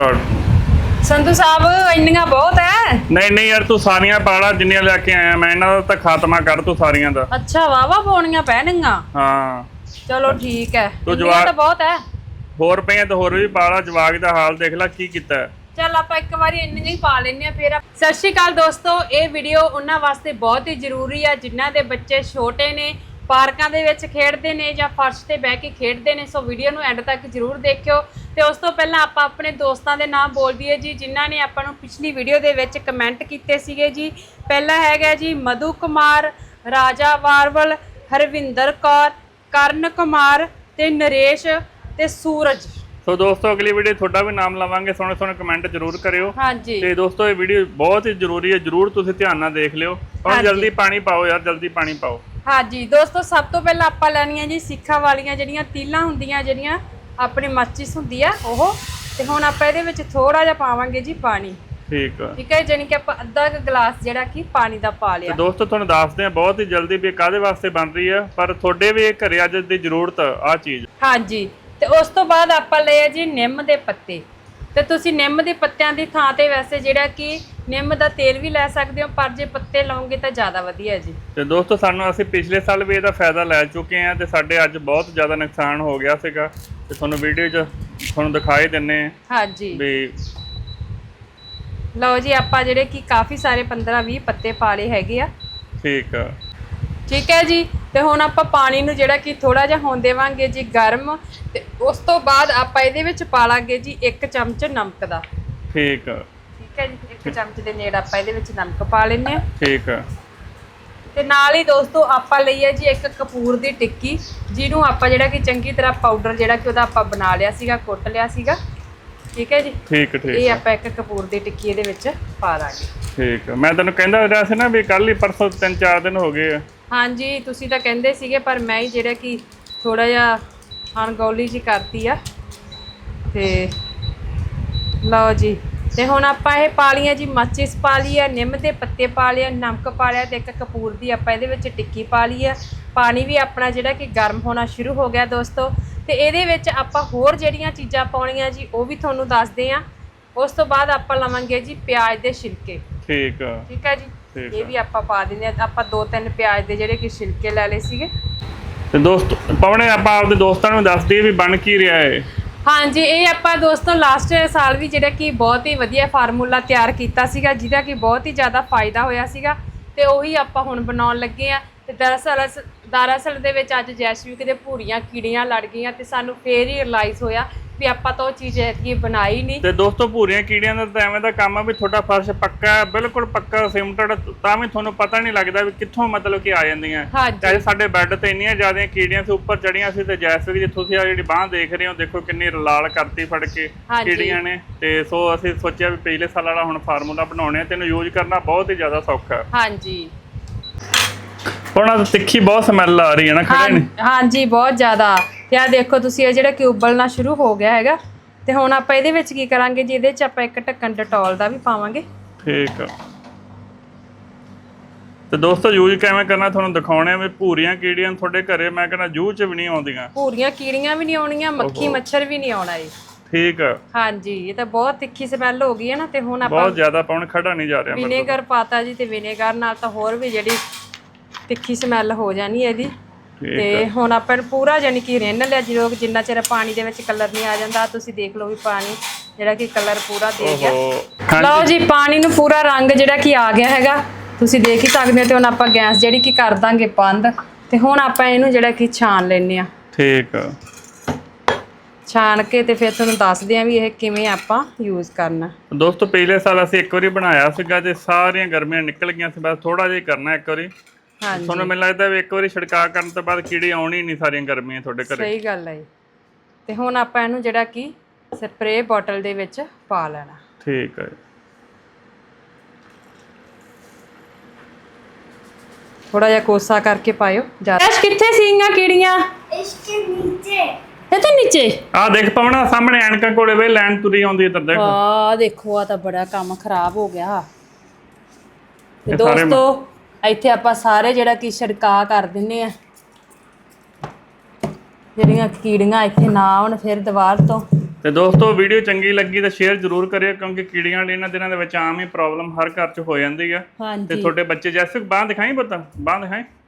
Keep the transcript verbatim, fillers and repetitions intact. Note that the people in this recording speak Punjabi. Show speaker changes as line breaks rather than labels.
संधू साहब इन्नियां बहुत है।
नहीं नहीं यार तू सारियां पाला जिन्नियां लेके आया मैं इन्हां दा तां खात्मा कर तू सारियां दा।
अच्छा वावा पाउणियां पैणगियां।
हाँ
चलो ठीक है।
तू
इन्नियां
जवाक
तो बहुत है।
होर पईयां तो होर भी पाला जवाक दा हाल देख ला की कीता है।
चल आप एक बार इन्नियां ही पा लेने आ फिर। सत श्री अकाल दोस्तों, ये वीडियो उन्हां वास्ते बहुत ही जरूरी है जिन्हां दे बच्चे छोटे ने, पार्कों के विच खेडदे ने जां फर्श ते बह के खेडदे ने। सो वीडियो नूं एंड तक जरूर देखियो। तो उस तो पहलां आपां अपने दोस्तां दे नाम बोल दईए जी जिन्हां ने आपां नूं पिछली वीडियो दे विच कमेंट कीते सीगे जी। पहला हैगा जी मधु कुमार, राजा वारवल, हरविंदर कौर, करण कुमार ते नरेश ते सूरज।
सो दोस्तों अगली वीडियो थोड़ा भी नाम लवांगे, सोहने सोहने कमेंट जरूर करियो।
हाँ जी।
ते दोस्तों ये वीडियो बहुत ही जरूरी है, जरूर तुसीं ध्यान नाल देख लियो और
हाँ
जल्दी
जी।
पानी पाओ यार, जल्दी पानी पाओ।
हाँ जी दोस्तों, सब तो पहला आपां लैणियां जी सिक्खां वालियां जिहड़ियां तीलां हुंदियां जिहड़ियां अपनी माचिस हुंदी आ ओह। ते हुण आपां इहदे विच थोड़ा जिहा पावांगे जी पानी।
ठीक है
ठीक है, जानी कि आपां अद्धा क गिलास जिहड़ा कि पानी दा पा लिया।
तो दोस्तों तुहानूं दसदे हैं बहुत ही जल्दी भी काहदे वास्ते बन रही है, पर तुहाडे भी घरे अज दी जरूरत आ चीज़।
हाँ जी, ਤੇ ਉਸ ਤੋਂ ਬਾਅਦ ਆਪਾਂ ਲਏ ਜੀ ਨਿੰਮ ਦੇ ਪੱਤੇ। ਤੇ ਤੁਸੀਂ ਨਿੰਮ ਦੇ ਪੱਤਿਆਂ ਦੀ ਥਾਂ ਤੇ ਵੈਸੇ ਜਿਹੜਾ ਕਿ ਨਿੰਮ ਦਾ ਤੇਲ ਵੀ ਲੈ ਸਕਦੇ ਹੋ, ਪਰ ਜੇ ਪੱਤੇ ਲਾਉਂਗੇ ਤਾਂ ਜ਼ਿਆਦਾ ਵਧੀਆ ਜੀ। ਤੇ
ਦੋਸਤੋ ਸਾਨੂੰ ਅਸੀਂ ਪਿਛਲੇ ਸਾਲ ਵੀ ਇਹਦਾ ਫਾਇਦਾ ਲੈ ਚੁੱਕੇ ਹਾਂ ਤੇ ਸਾਡੇ ਅੱਜ ਬਹੁਤ ਜ਼ਿਆਦਾ ਨੁਕਸਾਨ ਹੋ ਗਿਆ ਸੀਗਾ ਤੇ ਤੁਹਾਨੂੰ ਵੀਡੀਓ 'ਚ ਤੁਹਾਨੂੰ ਦਿਖਾਈ ਦਿੰਨੇ ਆ।
ਹਾਂਜੀ
ਵੀ
ਲਓ ਜੀ ਆਪਾਂ ਜਿਹੜੇ ਕਿ ਕਾਫੀ ਸਾਰੇ ਪੰਦਰਾਂ ਵੀਹ ਪੱਤੇ ਪਾ ਲਏ ਹੈਗੇ ਆ।
ਠੀਕ ਆ
ठीक है जी। तो हुण आपां पानी नूं जिहड़ा कि थोड़ा जिहा होण देवांगे जी गर्म। ते उस तो बाद आपां इहदे विच पा लांगे जी एक चमच नमक दा।
ठीक है
ठीक है जी, एक चमच दे नेड़ आपां इहदे विच नमक पा लैंदे आ।
ठीक है
ते नाल ही दोस्तों आपां लई है जी एक कपूर दी टिक्की, जिहनूं आपां जिहड़ा कि चंगी तरह पाउडर जिहड़ा कि उहदा आपां बना लिया सीगा, कुट लिया सीगा। ठीक है जी।
ठीक ठीक
ये आपां एक कपूर दी टिक्की इहदे विच पा लांगे।
ठीक है, मैं तैनूं कहंदा ਰਿਹਾ ਸੀ ना भी कल ही परसों तीन चार दिन हो गए।
हाँ जी, तुसी तो कहंदे सीगे पर मैं ही जिहड़ा कि थोड़ा जिहा अणगौली जी करती आ। ते लो जी, ते हुण आपां इह पा लियां जी माचिस पा ली है, निम दे पत्ते पा लिया, नमक पा लिया ते एक कपूर दी आपां इहदे विच टिक्की पा ली है। पानी भी अपना जिहड़ा कि गर्म होना शुरू हो गया दोस्तों। ते इहदे विच आपां होर जिहड़ियां चीज़ां पाउणियां जी वो भी तुहानूं दसदे आ। उस तो बाद आपां लवांगे जी प्याज दे छिलके।
ठीक है
ठीक है जी, ये भी आपां पा दिंदे आ। आपां दो तीन प्याज दे जिहड़े कि छिलके लै लए सीगे।
ते दोस्त पावणे आपां आपदे दोस्तां नूं दस दईए भी बन की रिहा है।
हाँ जी, ये आपां दोस्तों लास्ट साल भी जिहड़ा कि बहुत ही वधिया फार्मूला तैयार कीता सीगा जिहदा कि बहुत ही ज़्यादा फायदा होया सीगा। ते ਉਹੀ ਆਪਾਂ ਹੁਣ ਬਣਾਉਣ ਲੱਗੇ ਆ। ਤੇ ਦਰਅਸਲ ਦਰਅਸਲ ਦੇ ਵਿੱਚ ਅੱਜ ਜੈਸਵੀਕ ਦੇ ਭੂਰੀਆਂ ਕੀੜੀਆਂ ਲੜ ਗਈਆਂ ਤੇ ਸਾਨੂੰ ਫੇਰ ਹੀ ਰਿਅਲਾਈਜ਼ ਹੋਇਆ ਵੀ ਆਪਾਂ ਤਾਂ ਉਹ ਚੀਜ਼ ਐਤਕੀ ਬਣਾਈ ਨਹੀਂ। ਤੇ
ਦੋਸਤੋ ਭੂਰੀਆਂ ਕੀੜੀਆਂ ਦਾ ਤਾਂ ਐਵੇਂ ਦਾ ਕੰਮ ਆ ਵੀ ਤੁਹਾਡਾ ਫਰਸ਼ ਪੱਕਾ ਹੈ, ਬਿਲਕੁਲ ਪੱਕਾ ਸਿਮਟਡ, ਤਾਂ ਵੀ ਤੁਹਾਨੂੰ ਪਤਾ ਨਹੀਂ ਲੱਗਦਾ ਵੀ ਕਿੱਥੋਂ ਮਤਲਬ ਕਿ ਆ ਜਾਂਦੀਆਂ। ਚਾਹੇ ਸਾਡੇ ਬੈੱਡ ਤੇ ਇੰਨੀਆਂ ਜ਼ਿਆਦਾ ਕੀੜੀਆਂ ਸੀ ਉੱਪਰ ਚੜੀਆਂ ਸੀ ਤੇ ਜੈਸਵੀਕ ਜਿੱਥੋਂ ਤੁਸੀਂ ਆ ਜਿਹੜੀ ਬਾਂਹ ਦੇਖ ਰਹੇ ਹੋ ਦੇਖੋ ਕਿੰਨੀ ਲਾਲ ਕਰਤੀ ਫੜ ਕੇ ਕੀੜੀਆਂ ਨੇ। ਤੇ ਸੋ ਅਸੀਂ ਸੋਚਿਆ ਵੀ ਪਿਛਲੇ ਸਾਲ ਵਾਲਾ ਹੁਣ ਫਾਰਮੂਲਾ ਬਣਾਉਣੇ ਤੇ ਇਹਨੂੰ ਯੂਜ਼ ਕਰਨਾ ਬਹੁਤ ਹੀ ਜ਼ਿਆਦਾ ਸੌਖਾ ਹੈ।
ਹਾਂਜੀ
ਹੁਣ ਤਿੱਖੀ ਬਹੁਤ ਸਮੈਲ ਆ ਰਹੀ ਹੈ ਨਾ ਖੜੇ ਨੇ।
ਹਾਂਜੀ ਬਹੁਤ ਜ਼ਿਆਦਾ। ਤੇ ਆ ਦੇਖੋ ਤੁਸੀਂ ਇਹ ਜਿਹੜਾ ਕਿ ਉਬਲਣਾ ਸ਼ੁਰੂ ਹੋ ਗਿਆ ਹੈਗਾ। ਤੇ ਹੁਣ ਆਪਾਂ ਇਹਦੇ ਵਿੱਚ ਕੀ ਕਰਾਂਗੇ ਜੀ, ਇਹਦੇ 'ਚ ਆਪਾਂ ਇੱਕ ਢੱਕਣ ਡਟੋਲ ਦਾ ਵੀ ਪਾਵਾਂਗੇ।
ਠੀਕ ਆ। ਤੇ ਦੋਸਤੋ ਯੂਜ਼ ਕਿਵੇਂ ਕਰਨਾ ਤੁਹਾਨੂੰ ਦਿਖਾਉਣੇ ਆ ਵੀ ਭੂਰੀਆਂ ਕੀੜੀਆਂ ਤੁਹਾਡੇ ਘਰੇ ਮੈਂ ਕਹਿੰਦਾ ਜੂਹ 'ਚ ਵੀ ਨਹੀਂ ਆਉਂਦੀਆਂ।
ਭੂਰੀਆਂ ਕੀੜੀਆਂ ਵੀ ਨਹੀਂ ਆਉਣੀਆਂ, ਮੱਖੀ ਮੱਛਰ ਵੀ ਨਹੀਂ ਆਉਣਾ ਇਹ।
ਠੀਕ ਆ।
ਹਾਂਜੀ, ਇਹ ਤਾਂ ਬਹੁਤ ਤਿੱਖੀ ਸਮੈਲ ਹੋ ਗਈ ਹੈ ਨਾ। ਤੇ ਹੁਣ ਆਪਾਂ
ਬਹੁਤ ਜ਼ਿਆਦਾ ਪਾਉਣ ਖੜਾ ਨਹੀਂ ਜਾ ਰਿਹਾ।
ਵਿਨੇਗਰ ਪਾਤਾ ਜੀ ਤੇ ਵਿਨੇਗਰ ਨਾਲ ਤਾਂ ਹੋਰ ਵੀ ਜਿਹੜੀ ਤਿੱਖੀ ਸਮੈਲ ਹੋ ਜਾਣੀ ਇਹਦੀ। ਤੇ ਹੁਣ ਆਪਾਂ ਨੂੰ ਪੂਰਾ ਜਾਨੀ ਕਿ ਰਿੰਨ ਲਿਆ ਜਦੋਂ ਜਿੰਨਾ ਚਿਰ ਪਾਣੀ ਦੇ ਵਿੱਚ ਕਲਰ ਨਹੀਂ ਆ ਜਾਂਦਾ। ਤੁਸੀਂ ਦੇਖ ਲਓ ਵੀ ਪਾਣੀ ਜਿਹੜਾ ਕਿ ਕਲਰ ਪੂਰਾ ਦੇ ਗਿਆ। ਲਓ ਜੀ ਪਾਣੀ ਨੂੰ ਪੂਰਾ ਰੰਗ ਜਿਹੜਾ ਕਿ ਆ ਗਿਆ ਹੈਗਾ, ਤੁਸੀਂ ਦੇਖ ਹੀ ਸਕਦੇ ਹੋ। ਤੇ ਹੁਣ ਆਪਾਂ ਗੈਸ ਜਿਹੜੀ ਕਿ ਕਰ ਦਾਂਗੇ ਬੰਦ। ਤੇ ਹੁਣ ਆਪਾਂ ਇਹਨੂੰ ਜਿਹੜਾ ਕਿ ਛਾਣ ਲੈਣੇ ਆ।
ਠੀਕ ਆ।
ਛਾਣ ਕੇ ਤੇ ਫਿਰ ਤੁਹਾਨੂੰ ਦੱਸਦੇ ਆ ਵੀ ਇਹ ਕਿਵੇਂ ਆਪਾਂ ਯੂਜ਼ ਕਰਨਾ।
ਦੋਸਤੋ ਪਿਛਲੇ ਸਾਲ ਅਸੀਂ ਇੱਕ ਵਾਰੀ ਬਣਾਇਆ ਸੀਗਾ ਤੇ ਸਾਰੀਆਂ ਗਰਮੀਆਂ ਨਿਕਲ ਗਈਆਂ ਸੀ। ਬਸ ਥੋੜਾ ਜਿਹਾ ਕਰਨਾ ਇੱਕ ਵਾਰੀ। ਹਾਂਜੀ ਤੁਹਾਨੂੰ ਮੈਨੂੰ ਲੱਗਦਾ ਵੀ ਇੱਕ ਵਾਰੀ ਛਿੜਕਾਅ ਕਰਨ ਤੋਂ ਬਾਅਦ ਕੀੜੀ ਆਉਣੀ ਨਹੀਂ ਸਾਰੀਆਂ ਗਰਮੀਆਂ ਤੁਹਾਡੇ ਘਰੇ।
ਸਹੀ ਗੱਲ ਹੈ। ਤੇ ਹੁਣ ਆਪਾਂ ਇਹਨੂੰ ਜਿਹੜਾ ਕਿ ਸਪਰੇਅ ਬੋਟਲ ਦੇ ਵਿੱਚ ਪਾ ਲੈਣਾ।
ਠੀਕ ਹੈ।
ਥੋੜਾ ਜਿਹਾ ਕੋਸਾ ਕਰਕੇ ਪਾਇਓ। ਐਸ਼ ਕਿੱਥੇ ਸੀਗੀਆਂ ਕੀੜੀਆਂ?
ਇਸਕੇ ਨੀਚੇ।
ਇਹ ਤਾਂ ਨੀਚੇ
ਆ ਦੇਖ ਪਾਉਣਾ ਸਾਹਮਣੇ ਐਨਕਾਂ ਕੋਲੇ ਵੇ ਲੈਣ ਤੁਰੀ ਆਉਂਦੀ ਇੱਧਰ ਦੇਖ।
ਆ ਦੇਖੋ ਆ ਤਾਂ ਬੜਾ ਕੰਮ ਖਰਾਬ ਹੋ ਗਿਆ। ਤੇ ਦੋਸਤੋ ਇੱਥੇ ਆਪਾਂ ਸਾਰੇ ਜਿਹੜਾ ਕਿ ਛਿੜਕਾਅ ਕਰ ਦਿੰਨੇ ਆ ਜਿਹੜੀਆਂ ਕੀੜੀਆਂ ਇੱਥੇ ਨਾ ਆਉਣ ਫਿਰ ਦੀਵਾਰ ਤੋਂ।
ਤੇ ਦੋਸਤੋ ਵੀਡੀਓ ਚੰਗੀ ਲੱਗੀ ਤਾਂ ਸ਼ੇਅਰ ਜ਼ਰੂਰ ਕਰਿਓ ਕਿਉਂਕਿ ਕੀੜੀਆਂ ਵਾਲੀ ਇਹਨਾਂ ਦਿਨਾਂ ਦੇ ਵਿੱਚ ਆਮ ਹੀ ਪ੍ਰੋਬਲਮ ਹਰ ਘਰ 'ਚ ਹੋ ਜਾਂਦੀ ਆ ਤੇ
ਹਾਂਜੀ
ਤੁਹਾਡੇ ਬੱਚੇ ਜੈਸੇ ਬਾਂਹ ਦਿਖਾਈ ਪੁੱਤ ਬਾਂਹ ਦਿਖਾਈ